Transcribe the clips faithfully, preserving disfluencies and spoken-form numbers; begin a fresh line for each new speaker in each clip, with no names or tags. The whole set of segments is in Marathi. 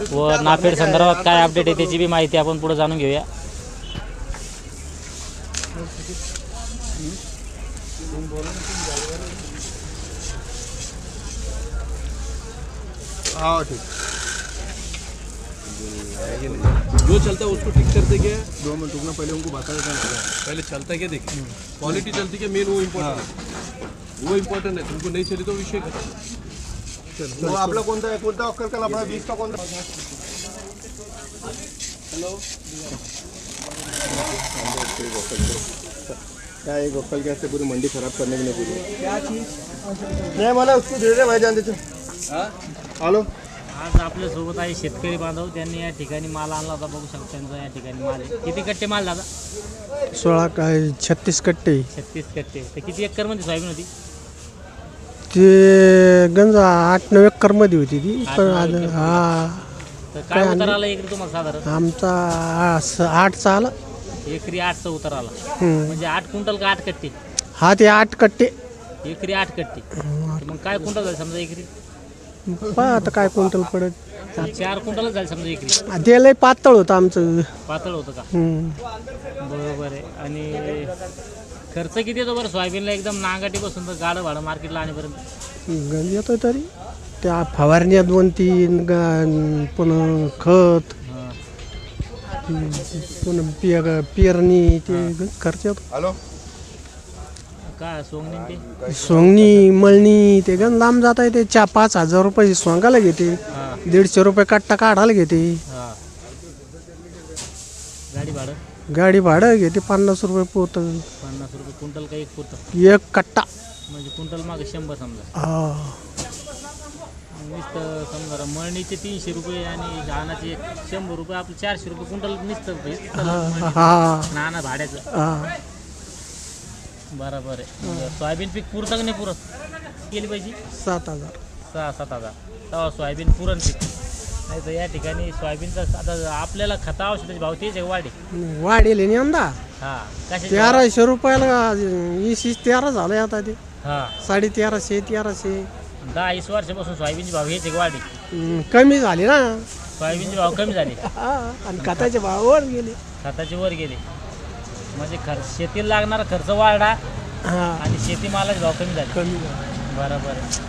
व नाफेड संदर्भात काय अपडेट आहे त्याची बी माहिती आपण पुढे जाणून घेऊया।
हाँ ठीक, जो चलता है उसको ठीक करते क्या? दो मिनट रुकना, पहले उनको बता देता है पहले चलता क्या देखिए, क्वालिटी चलती क्या मेन वो इम्पोर्टेंट है, वो इम्पोर्टेंट है। तुमको नहीं चली तो विषय खत्म। वो आपला कोणता आहे, कोणता ऑफर करा आपला बीस का कोणता? हेलो क्या ये गोकल कैसे पूरी मंडी खराब करने के लिए पूरी क्या चीज नहीं मला उसको दे दे भाई जान देते। हॅलो,
आज आपल्या सोबत आहे शेतकरी बांधव, त्यांनी या ठिकाणी माल आणला होता, बघू शकता त्यांचा या ठिकाणी माल आहे। किती कट्टे माल दादा?
सोळा काय छत्तीस कट्टे,
छत्तीस कट्टे। तर किती एकर मध्ये सोयाबीन होती?
ते गंज आठ नऊ एकर मध्ये होती ती, पण आज हा
तर काय उतार आला एकरी तुम्हाला साधारण?
आमचा आस- आठचा आला।
एकरी आठचा उतार आला,
हम्म.
म्हणजे आठ क्विंटल का आठ कट्टे?
हा ते आठ कट्टे,
एकरी आठ कट्टे, तर मग काय क्विंटल झाले समजा एकरी?
पहा आता काय क्विंटल पडत,
चार क्विंटलच झाले समजा एकरी।
ते लय पातळ होतं आमचं।
पातळ होतं का?
हम्म.
बरोबर आहे। आणि खर्च किती येतो बरं सोयाबीनला एकदम नांगाटी बसून तर गाडं भाडं मार्केटला आणेपर्यंत?
गंज येतोय तरी त्या फवारण्या दोन तीन गा- पुन्हा खत,
हां,
पुन्हा पिय पेरणी, ते गंज खर्च येतो।
हॅलो
काय सोंगणी ते?
सोंगणी मळणी ते गंज लांब जात आहे, ते चार पाच हजार रुपये सोंगायला घेते,
हां
दीडशे रुपये कट्टा काढायला घेते,
हां। गाडी भाडं?
गाडी भाडं घेते पन्नास रुपये पोत,
पन्नास रुपये क्विंटल का एक पुरतं?
एक कट्टा।
म्हणजे क्विंटल मागे शंभर समजा।
हा
नुसतं समजा मळणीचे तीनशे रुपये आणि धानाचे शंभर रुपये, आपले चारशे रुपये क्विंटल नुसतं
हा
नाना भाड्याचं।
हा
बरोबर आहे। मग सोयाबीन पीक पुरतं का नाही पुरत? केली पाहिजे
सात हजार
सहा सात हजार तेव्हा सोयाबीन पुरण पीक। नाही तर या ठिकाणी सोयाबीनचा आता आपल्याला खता औषधाचे भाव तेच आहे वाढे?
वाढेल यंदा
हां कशा?
तेराशे रुपयाला वीस वीस तेरा झालंय आता, ते
हां
साडे तेराशे तेराशे
दहा वीस वर्षापासून सोयाबीनचे भाव हेच आहे वाढे?
हम्म, कमी झाले ना।
सोयाबीनचे भाव कमी झाले
हा, आणि खताचे भाव वर गेले।
खताचे वर गेले, म्हणजे खर्च शेतीला लागणारा खर्च वाढला
हा
आणि शेतीमालाचे भाव कमी झाले।
कमी झाले।
बरोबर आहे।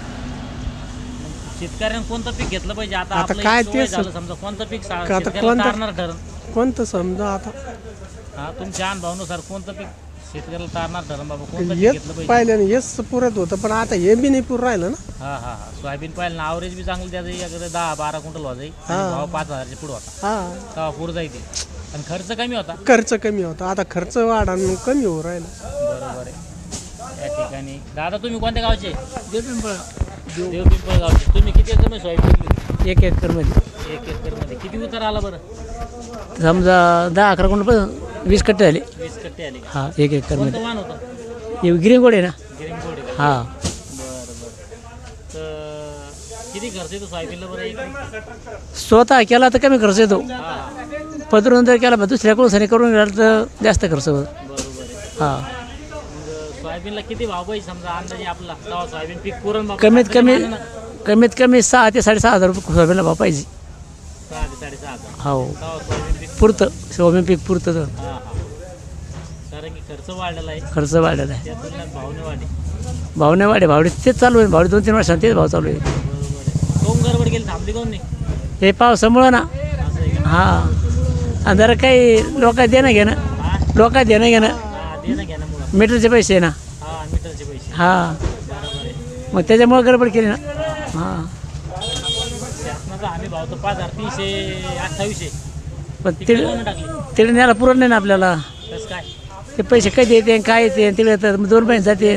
मग शेतकऱ्यांनी कोणतं पीक घेतलं पाहिजे आता?
आता
आपलं
काय
एक सवय
तेच-
झालं समजा, कोणतं पीक सा-
आता
शेतकऱ्याला
कोणतं-
तारणार ठरण?
कोणतं समजा आता
हा तुमच्या अनुभवानुसार कोणतं पीक शेतकऱ्याला तारणार ठरण बाबा? कोणतं पीक
हेच
घेतलं पाहिजे?
पाहिलं हेच पुरत होतं, पण आता हे बी नाही पुर राहिलं ना।
हा हा हा सोयाबीन पाहिलं ना, ॲव्हरेज बी चांगलं द्यायचं, याकडे दहा बारा क्विंटल व्हायचं आणि
हा.
भाव पाच हजारच्या पुढे होता,
हा
तेव्हा पुढे जायचे आणि खर्च कमी होता।
खर्च कमी होता, आता खर्च वाढा आणि कमी होऊ राहिला।
बरोबर आहे। या ठिकाणी दादा तुम्ही कोणत्या गावचे? देवपिंपळ। देवपिंपळ गावचे। तुम्ही किती एकर मध्ये सोयाबीन घेतली?
एक एकरमध्ये
एक एकर मध्ये किती उतार आला बरं?
समजा दहा अकरा क्विंटल वीस कट्टे झाले।
वीस कट्टे आले का?
हा एक एकरमध्ये
कोणतं वाण होतं?
हे गिरिंगोड आहे ना।
गिरिंगोड आहे का?
हा
बरं बरं। तर किती खर्च येतो सोयाबीनला बरं एक?
स्वतः केला तर कमी खर्च येतो,
हा
पदरून जर केला दुसऱ्याकडून सनी करून गेला तर जास्त खर्च होतो।
बरोबर आहे।
हा
मग सोयाबीनला किती भाव पाहिजे समजा अंदाजे आपला, तेव्हा सोयाबीन पीक पुरण बाबा?
कमीत कमी
आपल्या मानानं
कमीत कमी सहा ते साडेसहा हजार रुपये सोयाबीनला भाव पाहिजे।
सहा ते साडेसहा हजार
हो
तेव्हा सोयाबीन पीक
पुरतं, सोयाबीन पीक पुरतं तर
हा हा, कारण की खर्च वाढलेला आहे,
खर्च वाढलेला आहे,
त्या तुलनेत भावने वाढे।
भाव नाही वाढे, भावडे तेच चालू आहे, भावडे दोन तीन वर्षांत तेच भाव चालू आहे।
बरोबर आहे। कोण गडबड गेली थांबली कोण नाही?
हे पावसामुळं ना।
असं आहे का?
हा आणि जरा काही लोक देणं घेणं,
हा
लोक देणं घेणं,
हा देणं घेण्यामुळं,
मीटरचे पैसे आहे ना।
हा मीटरचे पैसे,
हा
बरोबर आहे।
मग त्याच्यामुळे गडबड केली ना। हां
शासनाचा हमी भाव तर पाच हजार तीनशे अठ्ठावीसशे,
पण
तिकडे
तिकडे
कोण टाकली?
तिकडे न्यायला पुरत नाही ना आपल्याला,
कसं काय?
ते पैसे कधी येते काय येते तिकडे तर दोन महिने जाते।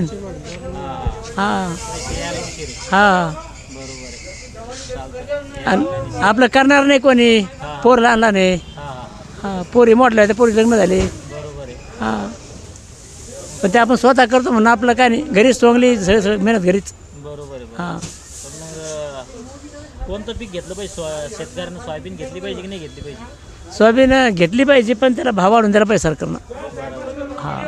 हा
हां
पैसे यायला उशीर आहे.
हां
बरोबर आहे। चालतं।
आणि आपलं करणार नाही कोणी, पोर लहान लहान आहे।
हा हा
हां पोरी मोठल्या त्या पोरी लग्न झाले।
बरोबर आहे।
हां पण ते आपण स्वतः करतो म्हणून आपलं काय नाही, घरीच सोंगली सगळं सगळं मेहनत घरीच।
बरोबर आहे, बरोबर.
हां
पण मग कोणतं पीक घेतलं पाहिजे? सो शेतकऱ्यांना सोयाबीन घेतली पाहिजे की नाही घेतली पाहिजे?
सोयाबीन घेतली पाहिजे, पण त्याला भाव वाढून द्यायला पाहिजे सरकारनं।
बरोबर.
हां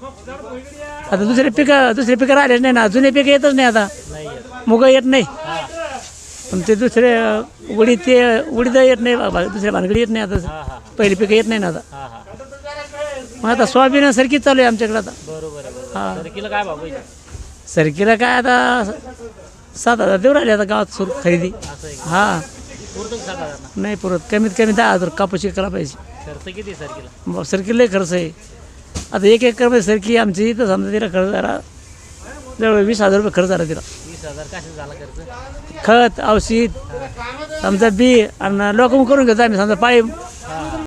आता दुसरे पिकं दुसरे पिकं राहिलेच नाही ना, जुने पिकं येतच नाही आता,
नाही येत.
मुग येत नाही,
हा
पण ते दुसरे अं, उडीद ते उडीद येत नाही बाबा, दुसऱ्या भानगडी येत नाही आता.
हां हां
पहिली पिकं येत नाही ना आता.
हां हां
मग आता सोयाबीनसारखीच चालू आहे आमच्याकडे आता.
बरोबर आहे बरोबर.
हां.
तर किलो काय भाव पाहिजे
सरकीला काय आता सात हजार देऊ राहिले आता गावात सुरू खरेदी.
असं आहे का?
हां
पुरतं का सात हजार ना?
नाही पुरत, कमीत कमी दहा हजार कापूस विकायला पाहिजे.
खर्च किती सर किलो
मग सरकी लय खर्च आहे. आता एक एकरमध्ये सरकी आमची तर समजा तिला खर्च झाला जवळ वीस हजार रुपये खर्च झाला तिला.
वीस हजार कशाचा झाला खर्च
खत औषध समजा बी आणि लोक करून घेतो आम्ही समजा पाळी